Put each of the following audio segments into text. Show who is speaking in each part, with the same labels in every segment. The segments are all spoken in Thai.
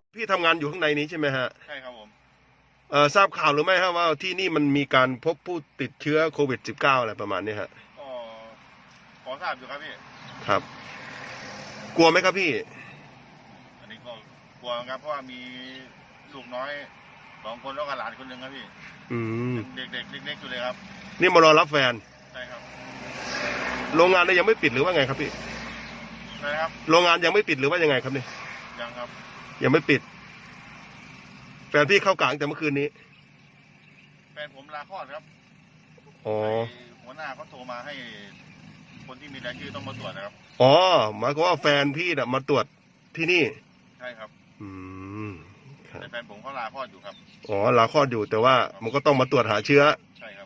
Speaker 1: พี่ทำงานอยู่ข้างในนี้ใช่ไหมฮะ
Speaker 2: ใช่ครับผม
Speaker 1: ทราบข่าวหรือไม่ฮะว่าที่นี่มันมีการพบผู้ติดเชื้อโควิด -19 อะไรประมาณนี้ฮะ
Speaker 2: ก็ขอทราบอยู่ครับพี่
Speaker 1: ครับ กลัวไหมครับพี่
Speaker 2: อันนี้ก็กลัวครับเพราะว่ามีลูกน้อย2 คนแล้วก็หลานคนหนึ่งครับพี่เด็กเล็กๆอยู่เลยครับ
Speaker 1: นี่มารอรับแฟน
Speaker 2: ใช่ครับ
Speaker 1: โรงงานเนี่ยยังไม่ปิดหรือว่าไงครับพี่
Speaker 2: ใช่ครับ
Speaker 1: โรงงานยังไม่ปิดหรือว่ายังไงครับนี่
Speaker 2: ยังครับ
Speaker 1: ยังไม่ปิดแฟนพี่เข้ากลางแต่เมื่อคืนนี้
Speaker 2: แฟนผมลาคลอดครับ
Speaker 1: อ๋อ
Speaker 2: หัวหน้าเขาโทรมาให้คนที่มีรายชื่อต้องมาตรวจนะครับ
Speaker 1: อ๋อหมายความว่าแฟนพี่น่ะมาตรวจที่นี่
Speaker 2: ใช่ครับแต่แฟนผมเขาลาคลอดอยู่ครับ
Speaker 1: อ๋อลาคลอดอยู่แต่ว่ามันก็ต้องมาตรวจหาเชื้อ
Speaker 2: ใช่ครับ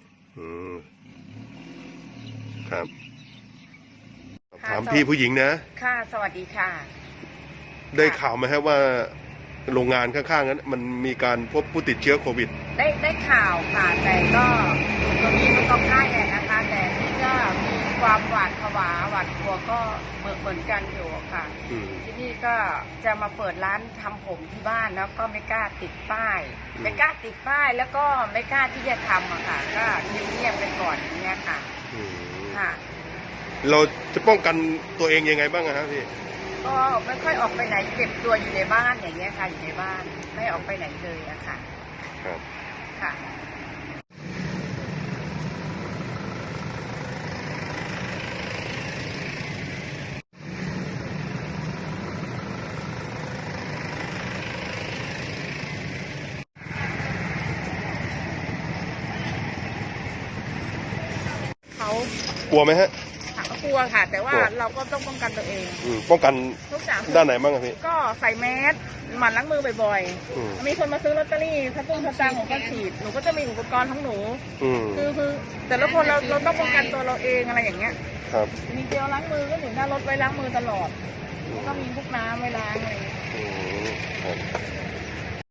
Speaker 1: ครับถามพี่ผู้หญิงนะ
Speaker 3: ค่ะสวัสดีค่ะ
Speaker 1: ได้ข่าวไหมครับว่าโรงงานข้างๆนั้นมันมีการพบผู้ติดเชื้อโควิด
Speaker 3: ได้ข่าวค่ะแต่ก็ตรงนี้มันก็ใกล้นะคะแต่ที่ก็มีความหวาดผวาหวาดกลัวก็เหมือนกันอยู่ค่ะที่นี่ก็จะมาเปิดร้านทำผมที่บ้านแล้วก็ไม่กล้าติดป้ายแล้วก็ไม่กล้าที่จะทำอะค่ะก็เงียบไปก่อนอย่างเงี้ยค่ะค่ะ
Speaker 1: เราจะป้องกันตัวเองยังไงบ้างครับพี่
Speaker 3: ก็ไม่ค่อยออกไปไหนเก็บตัวอยู่ในบ้านอย่างเงี้ยค่ะอยู่ในบ้านไม่ออกไปไหนเลยอะค่ะ
Speaker 1: ครับ
Speaker 3: ค่ะเขา
Speaker 1: กลัวไหมฮะ
Speaker 3: กลัวค่ะแต่ว่าเราก็ต้องป้องกันตัวเอง
Speaker 1: ป้องกัน
Speaker 3: ทุกอย่าง
Speaker 1: ด้านไหนบ้างครับพี่
Speaker 3: ก็ใส่แมสหมั่นล้างมือบ่อยๆมีคนมาซื้อลอตเตอรี่ถ้าตุ้งถ้าตังหนูก็ฉีดหนูก็จะมีอุปกรณ์ของหนูคือแต่ละคนเราต้องป้องกันตัวเราเองอะไรอย่างเงี้ย
Speaker 1: ครับ
Speaker 3: มีเจลล้างมือก็อยู่หน้ารถไว้ล้างมือตลอดก็มีพวกน้ำไว้ล้างอะไรอย่างเงี้ย